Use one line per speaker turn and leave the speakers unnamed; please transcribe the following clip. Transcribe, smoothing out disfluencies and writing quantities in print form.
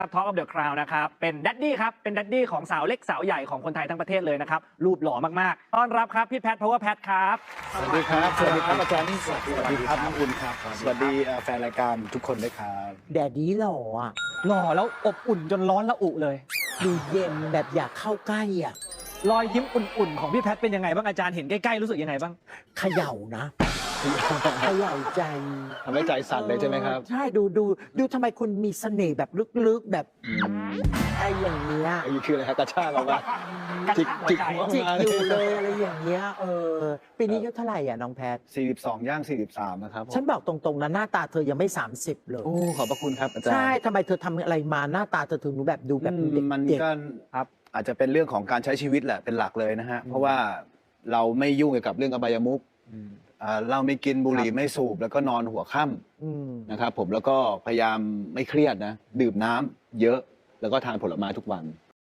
ท็อกออฟเดอะคราวนะครับเป็นแดดดี้ครับเป็นแดดดี้ของสาวเล็กสาวใหญ่ของคนไทยทั้งประเทศเลยนะครับรูปหล่อมากๆต้อนรับครับพี่แพทเพราะว่าแพทครับ
สวัสดีครับสวัสดีครับอาจารย์นี่สวัสดีครับน้องอุ่นครับสวัสดีแฟนรายการทุกคนด้วยครับ
แดดดี้หล่ออ่ะ
หล่อแล้วอบอุ่นจนร้อนละอุเลย
ดูเย็นแบบอยากเข้าใกล้อ่ะ
รอยยิ้มอุ่นๆของพี่แพทเป็นยังไงบ้างอาจารย์เห็นใกล้ๆรู้สึกยังไงบ้าง
เขย่านะเขย่าใจ
ทำให้ใจสั่นเลยใช่ไหมครับ
ใช่ดูทำไมคุณมีเสน่ห์แบบลึกๆแบบไอ้อย่างเงี้ย
อันนี้คืออะไรครับกระชากออกมา
กระชากหัวใจ
จิกอยู่เลยอะไรอย่างเงี้ยปีนี้อายุเท่าไหร่อ่ะน้องแพท
42ย่าง43นะครับผม
ฉันบอกตรงๆนะหน้าตาเธอยังไม่30เลย
โอ้ขอบพระคุณครับอาจารย์
ใช่ทำไมเธอทำอะไรมาหน้าตาเธอถึงแบบดูแบบเด็ก
มัน
เด็ก
ก็ครับอาจจะเป็นเรื่องของการใช้ชีวิตแหละเป็นหลักเลยนะฮะเพราะว่าเราไม่ยุ่งเกี่ยวกับเรื่องอบายมุขเราไม่กินบุหรี่ไม่สูบแล้วก็นอนหัวค่ำนะครับผมแล้วก็พยายามไม่เครียดนะดื่มน้ำเยอะแล้วก็ทานผลไม้ทุกวัน